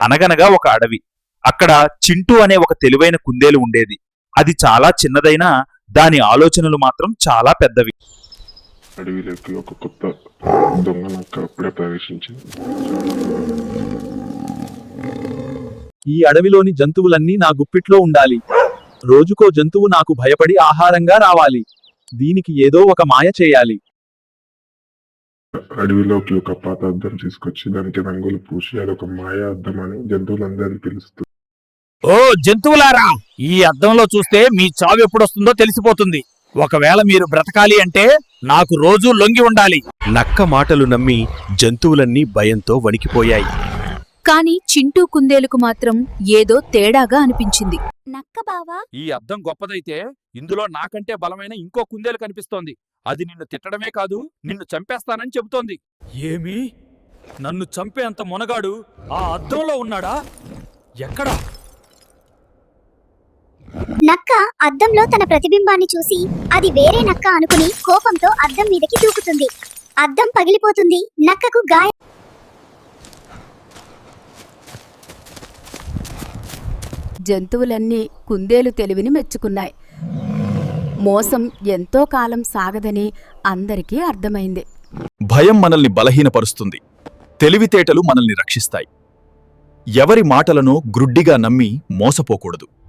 అనగనగా ఒక అడవి. అక్కడ చింటూ అనే ఒక తెలివైన కుందేలు ఉండేది. అది చాలా చిన్నదైనా దాని ఆలోచనలు మాత్రం చాలా పెద్దవి. అడవిలోకి ఒక కొత్త దొంగ నక్క అప్పుడే ప్రవేశించింది. ఈ అడవిలోని జంతువులన్నీ నా గుప్పిట్లో ఉండాలి. రోజుకో జంతువు నాకు భయపడి ఆహారంగా రావాలి. దీనికి ఏదో ఒక మాయ చేయాలి. అడవిలోకి ఒక పాత అద్దం తీసుకొచ్చి దానికి రంగులు పూసి అదొక మాయా అద్దం అని జంతువులందరినీ పిలుస్తుంది. ఓ జంతువులారా, ఈ అద్దంలో చూస్తే మీ చావు ఎప్పుడొస్తుందో తెలిసిపోతుంది. ఒకవేళ మీరు బ్రతకాలి అంటే నాకు రోజూ లొంగి ఉండాలి. నక్క మాటలు నమ్మి జంతువులన్నీ భయంతో వణికిపోయాయి. కాని చింటూ కుందేలుకు మాత్రం ఏదో తేడాగా అనిపించింది. నక్క బావా, ఈ అద్దం గొప్పదైతే ఇందులో నాకంటే బలమైన ఇంకో కుందేలు కనిపిస్తోంది. అది నిన్ను తిట్టడమే కాదు, నిన్ను చంపేస్తానని చెబుతోంది. ఏమి? నన్ను చంపేంత మొనగాడు ఆ అద్దంలో ఉన్నాడా? ఎక్కడా? నక్క అద్దంలో తన ప్రతిబింబాన్ని చూసి అది వేరే నక్క అనుకుని కోపంతో అద్దం మీదకి దూకుతుంది. అద్దం పగిలిపోతుంది. నక్కకు గాయం. జంతువులన్నీ కుందేలు తెలివిని మెచ్చుకున్నాయి. మోసం ఎంతో కాలం సాగదని అందరికీ అర్థమైంది. భయం మనల్ని బలహీనపరుస్తుంది. తెలివితేటలు మనల్ని రక్షిస్తాయి. ఎవరి మాటలను గ్రుడ్డిగా నమ్మి మోసపోకూడదు.